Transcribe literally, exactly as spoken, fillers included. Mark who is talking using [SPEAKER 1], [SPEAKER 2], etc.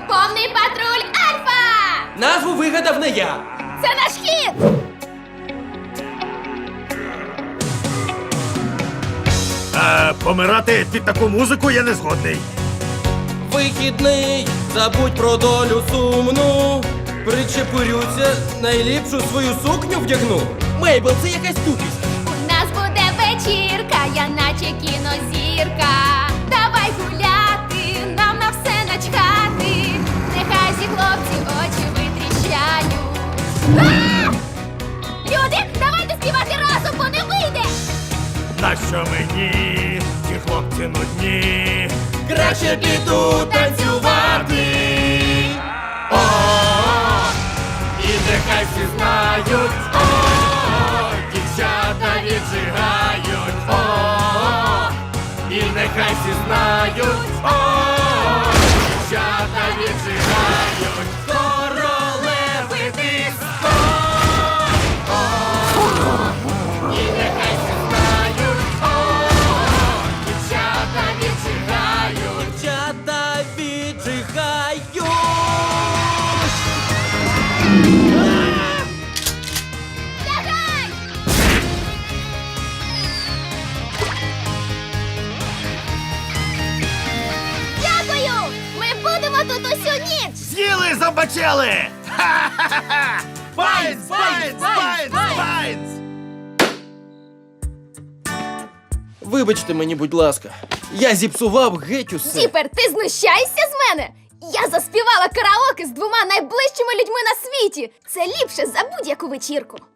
[SPEAKER 1] Повний патруль Альфа!
[SPEAKER 2] Назву вигадав не я.
[SPEAKER 1] Це наш хід!
[SPEAKER 3] А помирати під таку музику я не згодний.
[SPEAKER 2] Вихідний, забудь про долю сумну. Причепурюся, найліпшу свою сукню вдягну. Мейбл, це якась тупість.
[SPEAKER 1] У нас буде вечірка, я наче кінозірка. Давай гуляти, нам на все начхати. Нехай зі хлопці очі витріщають. А! Люди, давайте співати разом, бо не вийде!
[SPEAKER 3] Нащо мені ті хлопці нудні?
[SPEAKER 2] Краще піду танцювати.
[SPEAKER 3] О, і нехай всі знають, о, дівчата віджигають, о, і нехай всі знають, о, дівчата віджигають, королеви диско, о, і нехай всі знають, о, дівчата віджигають.
[SPEAKER 2] Дівчата віджигають.
[SPEAKER 1] Лягай! Дякую! Ми будемо тут усю ніч!
[SPEAKER 3] З'їли, забачили! Ха-ха-ха! Байнс, байнс, байнс, байнс!
[SPEAKER 2] Вибачте мені, будь ласка. Я зіпсував геть усе.
[SPEAKER 1] Діпер, ти знущаєшся з мене? Я заспівала караоке з двома найближчими людьми на світі! Це ліпше за будь-яку вечірку!